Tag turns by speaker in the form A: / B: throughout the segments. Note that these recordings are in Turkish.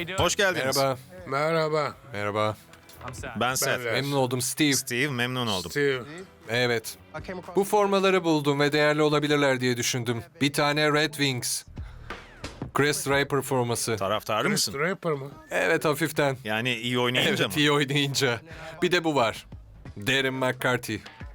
A: Hoş geldiniz.
B: Merhaba.
C: Merhaba.
B: Merhaba.
A: Ben Seth.
C: Ben-
B: Memnun oldum Steve.
A: Steve, memnun oldum.
C: Steve.
B: Evet. Bu formaları buldum ve değerli olabilirler diye düşündüm. Bir tane Red Wings. Chris Draper forması.
A: Taraftarı mısın?
C: Draper mı?
B: Evet, hafiften.
A: Yani iyi oynayınca
B: Evet,
A: mı?
B: iyi oynayınca. Bir de bu var. Darren McCarty.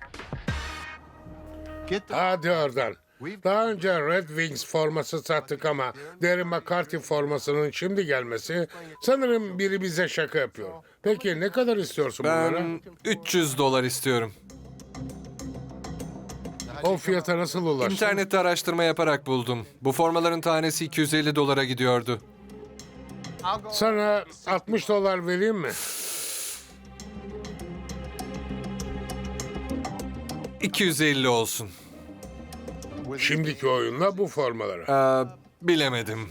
C: Hadi oradan. Daha önce Red Wings forması sattık ama Darren McCarthy formasının şimdi gelmesi sanırım biri bize şaka yapıyor. Peki ne kadar istiyorsun bunlara?
B: Ben $300 istiyorum.
C: O fiyata nasıl ulaştın?
B: İnternette araştırma yaparak buldum. Bu formaların tanesi $250 gidiyordu.
C: Sana $60 vereyim mi?
B: $250 olsun.
C: Şimdiki oyunla bu formalara.
B: Bilemedim.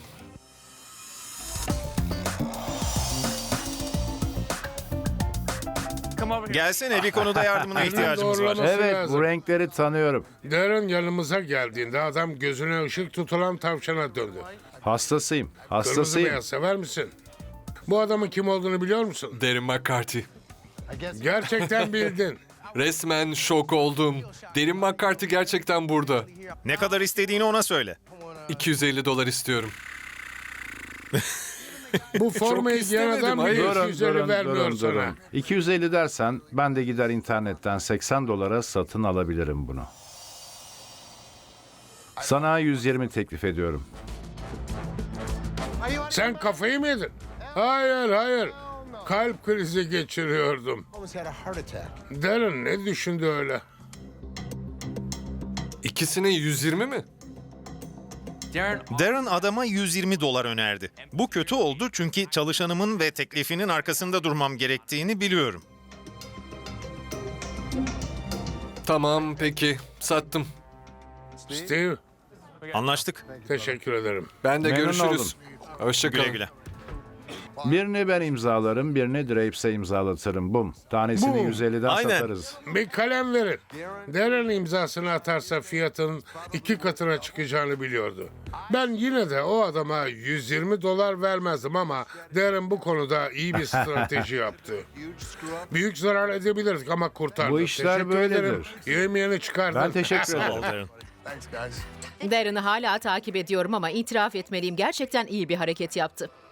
A: Gelsene, bir konuda yardımına ihtiyacımız var.
C: Doğrulaması
D: Evet,
C: lazım.
D: bu renkleri tanıyorum.
C: Darren yanımıza geldiğinde adam gözüne ışık tutulan tavşana döndü.
D: Hastasıyım,
C: Kırmızı
D: hastasıyım.
C: beyaz sever misin? Bu adamın kim olduğunu biliyor musun?
B: Darren McCarty.
C: Gerçekten bildin.
B: Resmen şok oldum. Darren McCarty gerçekten burada.
A: Ne kadar istediğini ona söyle.
B: $250 istiyorum.
C: Bu formayı giyen
B: istemedim,
C: adam
B: hayır.
C: bile
D: Durun,
C: 250 vermiyor
D: durun,
C: sana.
D: durun. 250 dersen ben de gider internetten $80 satın alabilirim bunu. Sana 120 teklif ediyorum.
C: Sen kafayı mı yedin? Hayır, hayır. Kalp krizi geçiriyordum. Darren ne düşündü öyle?
B: İkisine 120 mi?
A: Darren adama $120 önerdi. Bu kötü oldu çünkü çalışanımın ve teklifinin arkasında durmam gerektiğini biliyorum.
B: Tamam, peki. Sattım.
C: Steve,
A: Anlaştık.
C: teşekkür ederim.
B: Ben de
D: Memnun
B: görüşürüz. Hoşça
A: Güle
B: kalın.
A: güle.
D: Birini ben imzalarım, birini Drapes'e imzalatırım. Bum. Tanesini
C: Bum.
D: 150'den
A: Aynen.
D: satarız.
C: Bir kalem verin. Darren imzasını atarsa fiyatın 2 katına çıkacağını biliyordu. Ben yine de o adama $120 vermezdim ama Darren bu konuda iyi bir strateji yaptı. Büyük zarar edebilirdik ama kurtardı.
D: Bu işler
C: Teşekkür
D: böyledir.
C: ederim. Yemeğini çıkardın.
D: Ben teşekkür
A: Sağ ol
D: ederim.
A: Darren.
E: Darren'ı hala takip ediyorum ama itiraf etmeliyim, gerçekten iyi bir hareket yaptı.